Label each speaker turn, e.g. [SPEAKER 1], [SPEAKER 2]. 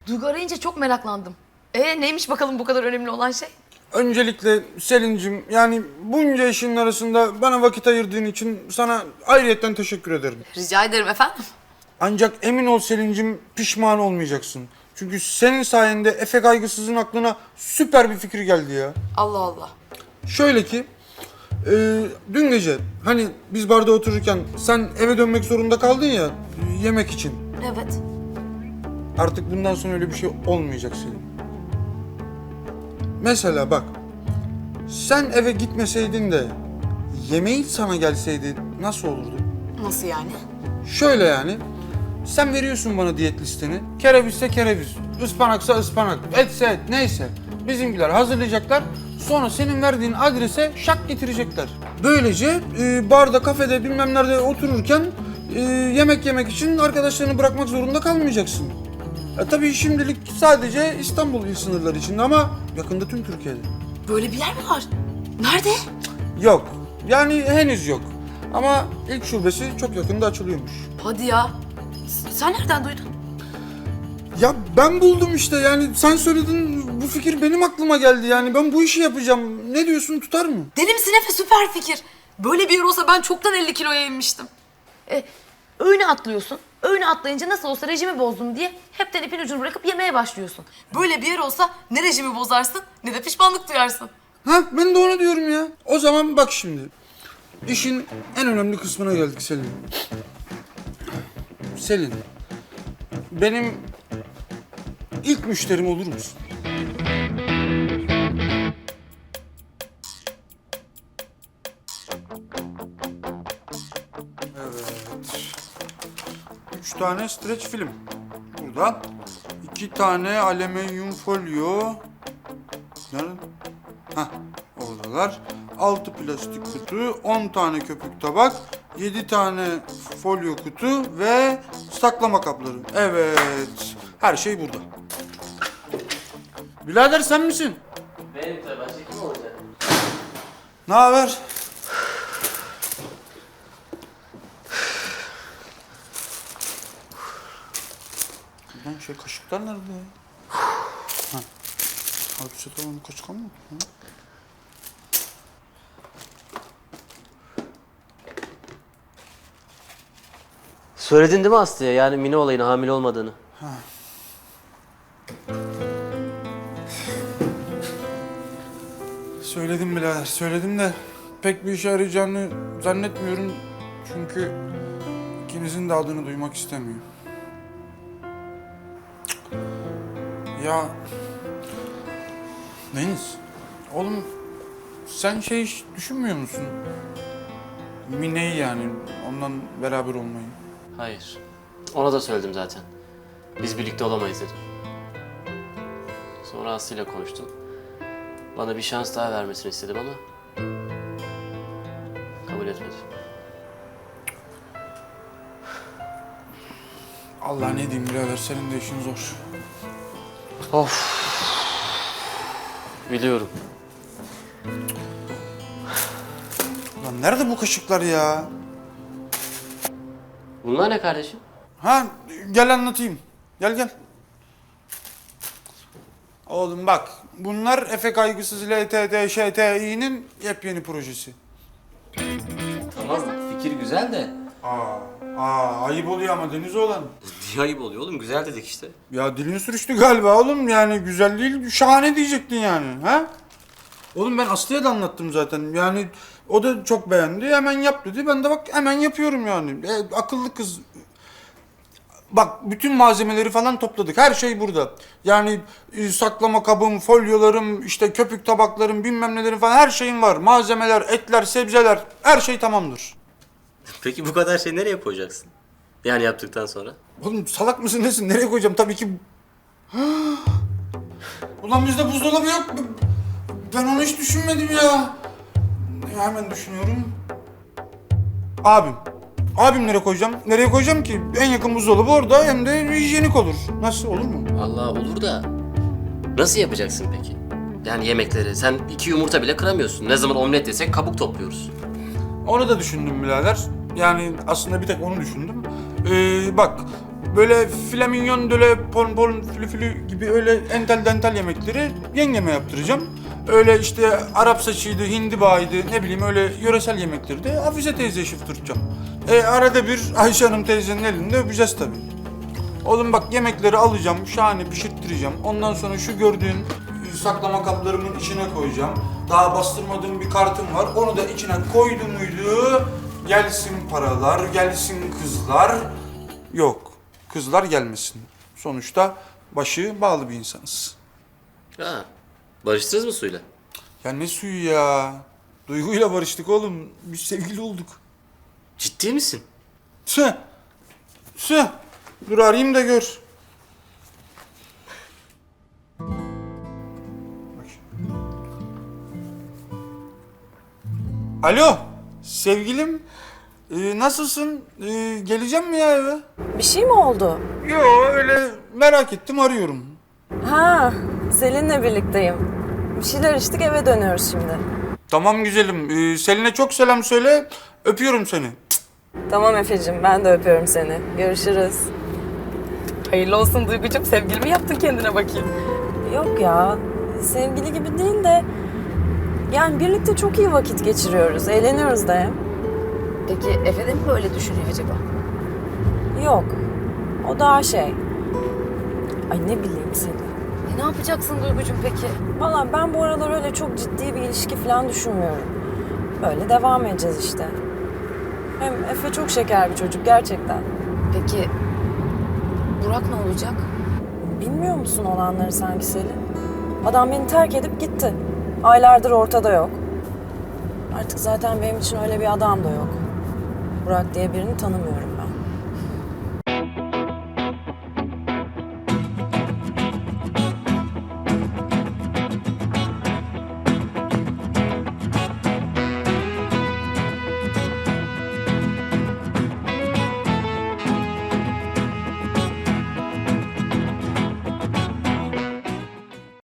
[SPEAKER 1] Duygu arayınca çok meraklandım. Neymiş bakalım bu kadar önemli olan şey?
[SPEAKER 2] Öncelikle Selin'cim, yani bunca işin arasında bana vakit ayırdığın için sana ayrıyetten teşekkür ederim.
[SPEAKER 1] Rica ederim efendim.
[SPEAKER 2] Ancak emin ol Selin'cim, pişman olmayacaksın. Çünkü senin sayende Efe Kaygısız'ın aklına süper bir fikir geldi ya.
[SPEAKER 1] Allah Allah.
[SPEAKER 2] Şöyle ki, dün gece hani biz barda otururken sen eve dönmek zorunda kaldın ya yemek için.
[SPEAKER 1] Evet.
[SPEAKER 2] Artık bundan sonra öyle bir şey olmayacak Selin. Mesela bak, sen eve gitmeseydin de yemeği sana gelseydi nasıl olurdu?
[SPEAKER 1] Nasıl yani?
[SPEAKER 2] Şöyle yani, sen veriyorsun bana diyet listeni. Kerevizse kereviz, ıspanaksa ıspanak, etse et, neyse. Bizimkiler hazırlayacaklar. Sonra senin verdiğin adrese şak getirecekler. Böylece barda, kafede, bilmem nerede otururken yemek yemek için arkadaşlarını bırakmak zorunda kalmayacaksın. Tabii şimdilik sadece İstanbul il sınırları içinde ama yakında tüm Türkiye'de.
[SPEAKER 1] Böyle bir yer mi var? Nerede?
[SPEAKER 2] Yok. Yani henüz yok. Ama ilk şubesi çok yakında açılıyormuş.
[SPEAKER 1] Hadi ya. Sen nereden duydun?
[SPEAKER 2] Ya ben buldum işte, yani sen söyledin, bu fikir benim aklıma geldi, yani ben bu işi yapacağım. Ne diyorsun, tutar mı?
[SPEAKER 1] Deli misin Efe? Süper fikir. Böyle bir yer olsa ben çoktan 50 kiloya inmiştim. Öğüne atlıyorsun. Öğüne atlayınca nasıl olsa rejimi bozdum diye hepten ipin ucunu bırakıp yemeye başlıyorsun. Böyle bir yer olsa ne rejimi bozarsın ne de pişmanlık duyarsın.
[SPEAKER 2] Ha, ben de onu diyorum ya. O zaman bak şimdi. İşin en önemli kısmına geldik Selin. Selin, benim ilk müşterim olur musun? Evet. 3 tane streç film. Burada. 2 tane alüminyum folyo. Nerede? Hah, oradalar. 6 plastik kutu, 10 tane köpük tabak, 7 tane folyo kutu ve saklama kapları. Evet, her şey burada. Birader sen misin?
[SPEAKER 3] Benim tabii, başka kim olacak?
[SPEAKER 2] Ne haber? Lan kaşıklar nerede ya? Ha. Abi çatalın kaşık mı?
[SPEAKER 3] Söyledin değil mi Aslı'ya, yani Mine olayına hamile olmadığını?
[SPEAKER 2] Söyledim birader, söyledim de pek bir işe yarayacağını zannetmiyorum. Çünkü ikinizin de adını duymak istemiyor. Ya Deniz, oğlum sen hiç düşünmüyor musun? Mine'yi, yani ondan beraber olmayı.
[SPEAKER 3] Hayır. Ona da söyledim zaten. Biz birlikte olamayız dedim. Sonra Aslı'yla konuştum. Bana bir şans daha vermesini istedim ama kabul etmedi.
[SPEAKER 2] Allah ne diyeyim birader, senin de işin zor.
[SPEAKER 3] Of. Biliyorum.
[SPEAKER 2] Lan nerede bu kaşıklar ya?
[SPEAKER 3] Bunlar ne kardeşim?
[SPEAKER 2] Ha, gel anlatayım. Gel. Oğlum bak, bunlar Efe Kaygısız LTT-ŞTİ'nin yepyeni projesi.
[SPEAKER 3] Tamam, fikir güzel de.
[SPEAKER 2] Ayıp oluyor ama Deniz olan.
[SPEAKER 3] Niye ayıp oluyor oğlum? Güzel dedik işte.
[SPEAKER 2] Ya dilin sürüştü galiba oğlum, yani güzel değil, şahane diyecektin yani, ha? Oğlum ben Aslı'ya da anlattım zaten, yani o da çok beğendi, hemen yap dedi, ben de bak hemen yapıyorum yani. Akıllı kız. Bak bütün malzemeleri falan topladık, her şey burada. Yani saklama kabım, folyolarım, işte köpük tabaklarım, bilmem nelerim falan, her şeyim var. Malzemeler, etler, sebzeler, her şey tamamdır.
[SPEAKER 3] Peki bu kadar şey nereye koyacaksın? Yani yaptıktan sonra?
[SPEAKER 2] Oğlum salak mısın nesin? Nereye koyacağım? Tabii ki... Ulan bizde buzdolabı yok. Ben onu hiç düşünmedim ya. Hemen düşünüyorum. Abim. Abim nereye koyacağım? Nereye koyacağım ki? En yakın buzdolabı orada, hem de hijyenik olur. Nasıl, olur mu?
[SPEAKER 3] Allah olur da nasıl yapacaksın peki? Yani yemekleri. Sen 2 yumurta bile kıramıyorsun. Ne zaman omlet desek kabuk topluyoruz.
[SPEAKER 2] Onu da düşündüm birader. Yani aslında bir tek onu düşündüm. Bak, Böyle flamingon, böyle pon flü gibi öyle entel dental yemekleri yengeme yaptıracağım. Öyle işte Arap saçıydı, hindibağıydı, ne bileyim öyle yöresel yemekleri de Hafize teyzeye şıftırtacağım. Arada bir Ayşe Hanım teyzenin elinde öpeceğiz tabii. Oğlum bak yemekleri alacağım, şahane pişirttireceğim. Ondan sonra şu gördüğün saklama kaplarımın içine koyacağım. Daha bastırmadığım bir kartım var. Onu da içine koydum muydu? Gelsin paralar, gelsin kızlar. Yok, kızlar gelmesin. Sonuçta başı bağlı bir insanız.
[SPEAKER 3] Ha, barıştınız mı Su'yla?
[SPEAKER 2] Ya ne suyu ya? Duygu'yla barıştık oğlum. Biz sevgili olduk.
[SPEAKER 3] Ciddi misin?
[SPEAKER 2] Tüh. Tüh. Dur arayayım da gör. Bak şimdi. Alo. Sevgilim. Nasılsın? Geleceğim mi ya eve?
[SPEAKER 4] Bir şey mi oldu?
[SPEAKER 2] Yo öyle merak ettim arıyorum.
[SPEAKER 4] Ha, Selin'le birlikteyim. Bir şeyler içtik, eve dönüyoruz şimdi.
[SPEAKER 2] Tamam güzelim. Selin'e çok selam söyle. Öpüyorum seni.
[SPEAKER 4] Tamam Efe'cim, ben de öpüyorum seni. Görüşürüz.
[SPEAKER 1] Hayırlı olsun Duygucuğum. Sevgili mi yaptın kendine bakayım?
[SPEAKER 4] Yok ya, sevgili gibi değil de... Yani birlikte çok iyi vakit geçiriyoruz, eğleniyoruz da hem.
[SPEAKER 1] Peki Efe de mi böyle düşünüyor acaba?
[SPEAKER 4] Yok, o daha şey... Ay ne bileyim Selin.
[SPEAKER 1] Ne yapacaksın Duygucuğum peki?
[SPEAKER 4] Valla ben bu aralar öyle çok ciddi bir ilişki falan düşünmüyorum. Böyle devam edeceğiz işte. Hem Efe çok şeker bir çocuk gerçekten.
[SPEAKER 1] Peki Burak ne olacak?
[SPEAKER 4] Bilmiyor musun olanları sanki Selin? Adam beni terk edip gitti. Aylardır ortada yok. Artık zaten benim için öyle bir adam da yok. Burak diye birini tanımıyorum.